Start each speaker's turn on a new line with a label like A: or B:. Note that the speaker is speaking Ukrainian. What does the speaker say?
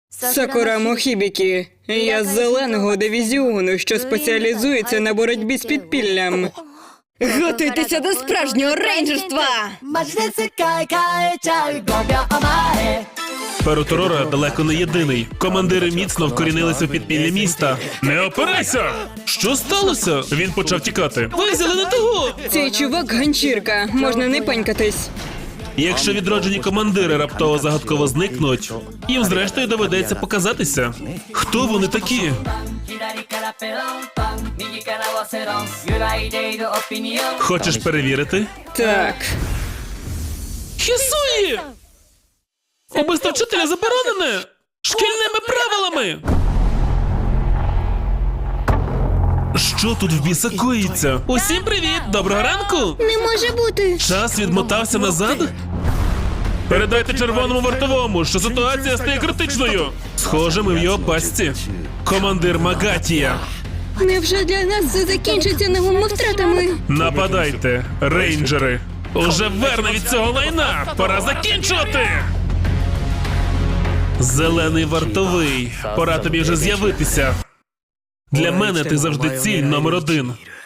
A: Сакурамо Хібікі. Я з зеленого дивізіону, що спеціалізується на боротьбі з підпіллям.
B: Готуйтеся до справжнього рейнджерства!
C: マジで世界変えちゃう5秒前
D: Пероторора далеко не єдиний. Командири міцно вкорінилися в підпілля міста. Не опирайся! Що сталося? Він почав тікати. Ви взяли не того!
A: Цей чувак ганчірка, можна не панькатись.
D: Якщо відроджені командири раптово загадково зникнуть, їм зрештою доведеться показатися. Хто вони такі?
C: 左からペロンパン右からワセロン揺らいでいるオピニオン
D: Хочеш перевірити?
A: Так.
D: Хісуї! Убивство вчителя заборонене! Шкільними правилами! Що тут в біса коїться? Усім привіт! Доброго ранку!
B: Не може бути!
D: Час відмотався назад? Передайте червоному вартовому, що ситуація стає критичною. Схоже, ми в його пастці. Командир Магатія.
B: Невже для нас все закінчиться новими втратами?
D: Нападайте, рейнджери. Уже верне від цього лайна. Пора закінчувати. Зелений вартовий. Пора тобі вже з'явитися. Для мене ти завжди ціль номер 1.